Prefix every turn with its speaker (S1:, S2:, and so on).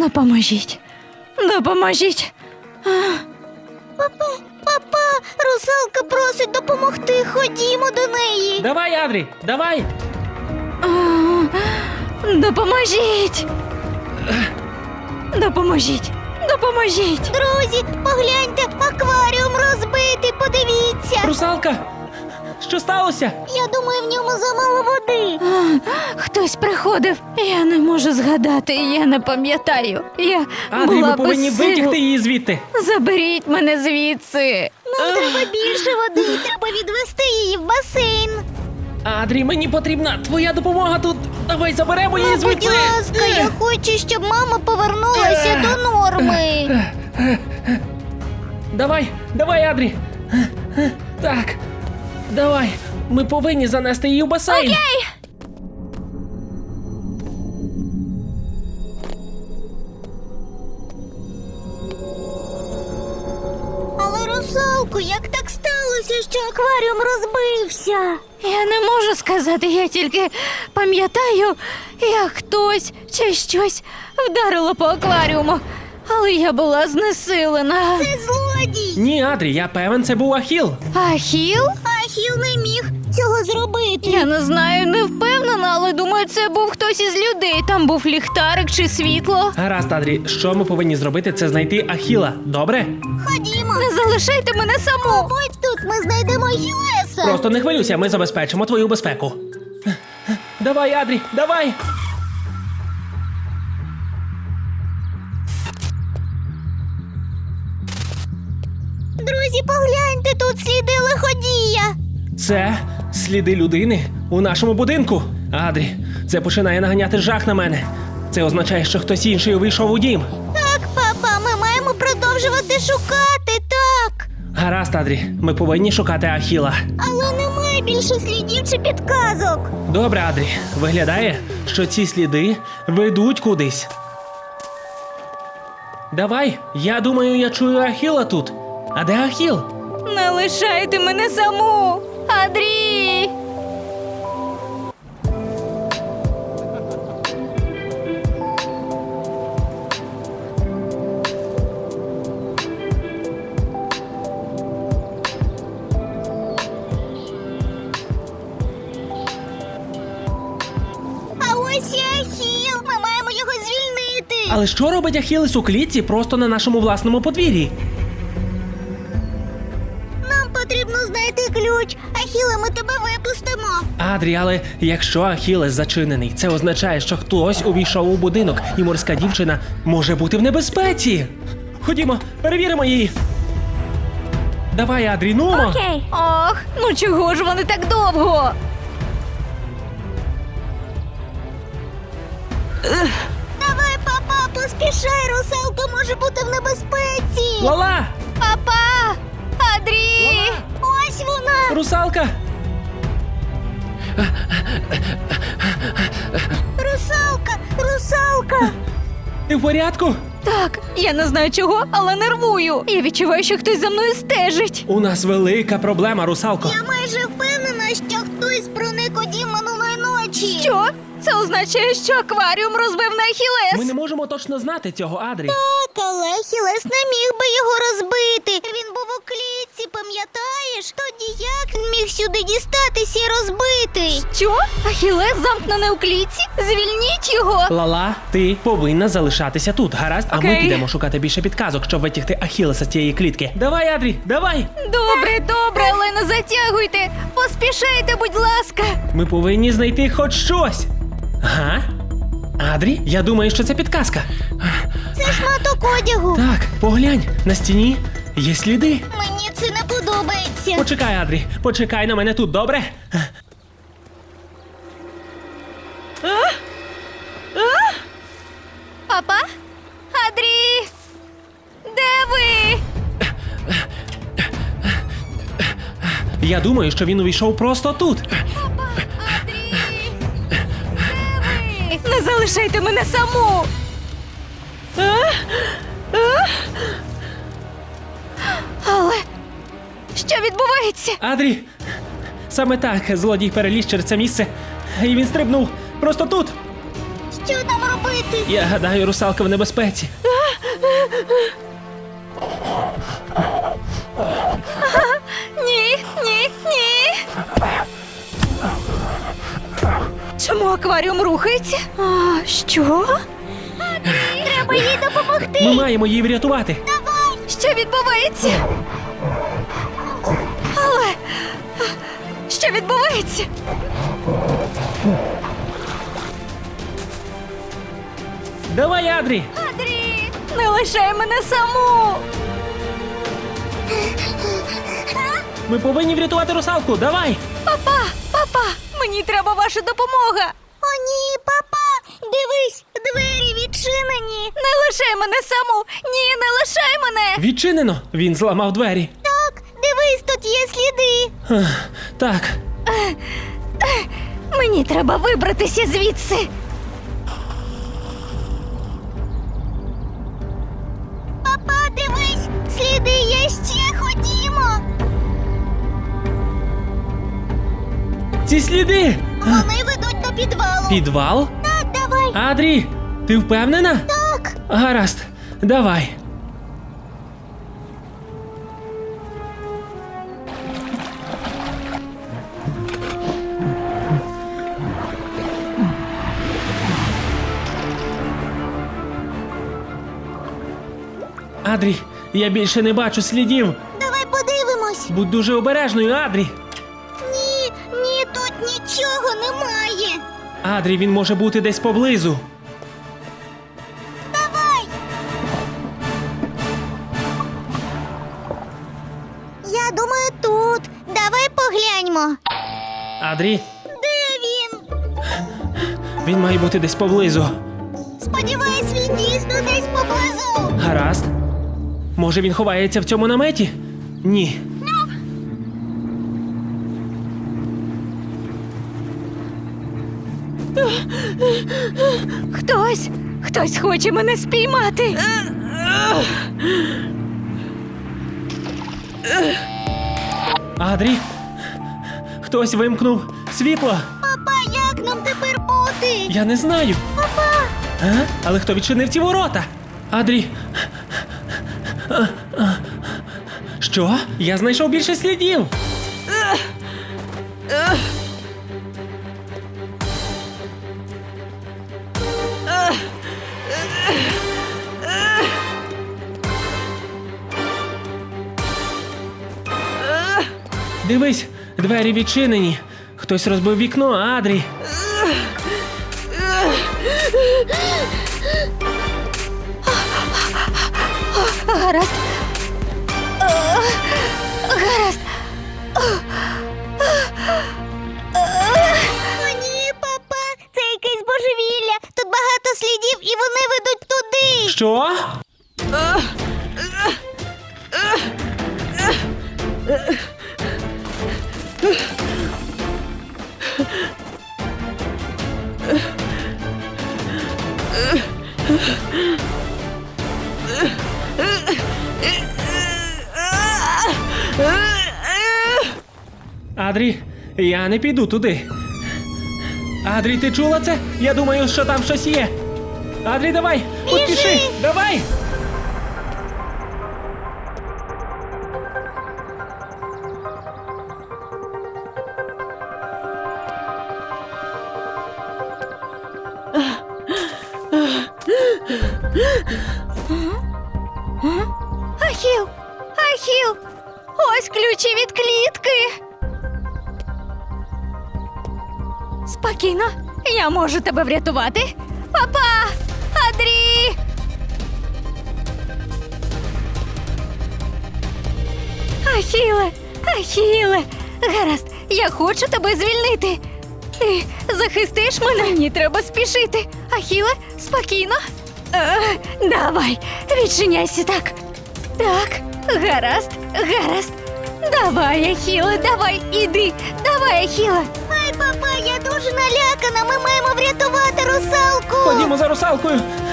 S1: Допоможіть. Допоможіть.
S2: Папа, русалка просить допомогти. Ходімо до неї.
S3: Давай, Адрі, давай!
S1: Допоможіть. Допоможіть. Допоможіть.
S2: Друзі, погляньте, акваріум розбитий, подивіться.
S3: Русалка! Що сталося?
S2: Я думаю, в ньому замало води.
S1: Хтось приходив. Я не можу згадати, я не пам'ятаю. Я
S3: Адрі,
S1: була
S3: ми повинні
S1: без сил.
S3: витягти її звідти.
S1: Заберіть мене звідси.
S2: Нам треба більше води, треба відвести її в басейн.
S3: Адрі, мені потрібна твоя допомога тут. Давай заберемо її
S2: Будь
S3: звідси.
S2: ласка, я хочу, щоб мама повернулася до норми.
S3: Давай, Адрі. Так, давай. Ми повинні занести її в басейн.
S1: Окей.
S2: Але, русалку, як так сталося, що акваріум розбився?
S1: Я не можу сказати, я тільки пам'ятаю, як хтось чи щось вдарило по акваріуму. Але я була знесилена.
S2: Це злодій.
S3: Ні, Адрі, я певен, це був Ахіл.
S1: Ахіл?
S2: Ахіл не міг цього зробити.
S1: Я не знаю, не впевнена, але думаю, це був хтось із людей. Там був ліхтарик чи світло.
S3: Гаразд, Адрі, що ми повинні зробити, це знайти Ахіла, добре?
S2: Ходімо.
S1: Не залишайте мене саму.
S2: Будь тут, ми знайдемо Ахілеса.
S3: Просто не хвилюйся, ми забезпечимо твою безпеку. Давай, Адрі, давай!
S2: Друзі, погляньте, тут сліди лиходія.
S3: Це сліди людини у нашому будинку. Адрі, це починає наганяти жах на мене. Це означає, що хтось інший увійшов у дім.
S2: Так, папа, ми маємо продовжувати шукати, так.
S3: Гаразд, Адрі, ми повинні шукати Ахіла.
S2: Але немає більше слідів чи підказок.
S3: Добре, Адрі, виглядає, що ці сліди ведуть кудись. Давай, я думаю, я чую Ахіла тут. А де Ахіл?
S1: Не лишайте мене саму. Адрі!
S2: А ось і Ахіл, ми маємо його звільнити.
S3: Але що робить Ахілес у клітці просто на нашому власному подвір'ї?
S2: Нам потрібно знайти ключ. Ахіле, ми тебе випустимо.
S3: Адрі, але якщо Ахілес зачинений, це означає, що хтось увійшов у будинок, і морська дівчина може бути в небезпеці. Ходімо, перевіримо її. Давай, Адрі, нумо!
S1: Окей. Ох, ну чого ж вони так довго?
S2: Давай, папа, поспішай, русалка може бути в небезпеці.
S3: Лала!
S1: Папа! Адрі!
S2: Ось вона.
S3: Русалка!
S2: Русалка.
S3: Ти в порядку?
S1: Так, я не знаю чого, але нервую. Я відчуваю, що хтось за мною стежить.
S3: У нас велика проблема, русалко.
S2: Я майже впевнена, що хтось проник у дім минулої ночі.
S1: Що? Це означає, що акваріум розбив на
S3: Ми
S1: Ахілес.
S3: не можемо точно знати цього, Адрі.
S2: Так, але Ахілес не міг би його розбити. Він був у клітці, пам'ятаєш? Тоді як він міг сюди дістатися і розбити?
S1: Що? Ахілес замкнений у клітці? Звільніть його!
S3: Лала, ти повинна залишатися тут, гаразд? А ми
S1: Окей.
S3: підемо шукати більше підказок, щоб витягти Ахілеса з цієї клітки. Давай, Адрі, давай!
S1: Добре, але не затягуйте. Поспішайте, будь ласка.
S3: Ми повинні знайти хоч щось. Ага. Адрі, я думаю, що це підказка.
S2: Це шматок одягу.
S3: Так, поглянь, на стіні є сліди.
S2: Мені це не подобається.
S3: Почекай, Адрі, почекай на мене тут, добре?
S1: Папа? Адрі? Де ви?
S3: Я думаю, що він увійшов просто тут.
S1: Папа, Адрі? Де ви? Не залишайте мене саму. Але що відбувається?
S3: Адрі! Саме так злодій переліз через це місце, і він стрибнув просто тут.
S2: Що нам робити?
S3: Я гадаю, русалка в небезпеці.
S1: Ні, ні, ні. Чому акваріум рухається? А, що?
S2: Треба їй допомогти.
S3: Ми маємо її врятувати.
S1: Що відбувається? Але що відбувається?
S3: Давай, Адрі!
S1: Адрі, не лишай мене саму.
S3: Ми повинні врятувати русалку. Давай!
S1: Папа, мені треба ваша допомога.
S2: О, ні, папа! Дивись, двері відчинені.
S1: Не лишай мене саму. Ні, не лишай мене.
S3: Відчинено! Він зламав двері.
S2: Так, дивись, тут є сліди.
S3: Так,
S1: Мені треба вибратися звідси.
S2: Папа, дивись, сліди є ще, ходімо.
S3: ці сліди!
S2: Вони ведуть до підвалу.
S3: Підвал?
S2: Так, давай.
S3: Адрі, ти впевнена?
S2: Так.
S3: Гаразд, давай. Адрі, я більше не бачу слідів.
S2: Давай подивимось.
S3: Будь дуже обережною, Адрі.
S2: Ні, ні, тут нічого немає.
S3: Адрі, він може бути десь поблизу.
S2: Давай. Я думаю, тут. Давай погляньмо.
S3: Адрі,
S2: Де він?
S3: він має бути десь поблизу.
S2: Сподіваюсь, він дійсно десь поблизу.
S3: Гаразд. Може, він ховається в цьому наметі? Ні.
S1: Хтось хоче мене спіймати.
S3: Адрі, хтось вимкнув світло.
S2: Папа, як нам тепер бути?
S3: Я не знаю.
S2: Папа,
S3: Але хто відчинив ці ворота? Адрі. Що? Я знайшов більше слідів. Дивись, двері відчинені. Хтось розбив вікно, Адрі.
S1: Гаразд. Гаразд.
S2: о ні, папа, це якесь божевілля. Тут багато слідів і вони ведуть туди.
S3: Що? Адрі, я не піду туди. Адрі, ти чула це? Я думаю, що там щось є. Адрі, давай, поспіши, давай!
S1: Ахіл! Ось ключі від клітки. Спокійно, я можу тебе врятувати. Папа! Адрі! Ахіле! Гаразд, я хочу тебе звільнити. Ти захистиш мене? Мені треба спішити. Ахіле, спокійно. Давай, відчиняйся так. Так, гаразд. Давай, Ахіле, давай, іди. Давай, Ахіле.
S2: Ай, папа, я дуже налякана. Ми маємо врятувати русалку.
S3: Ходімо за русалкою.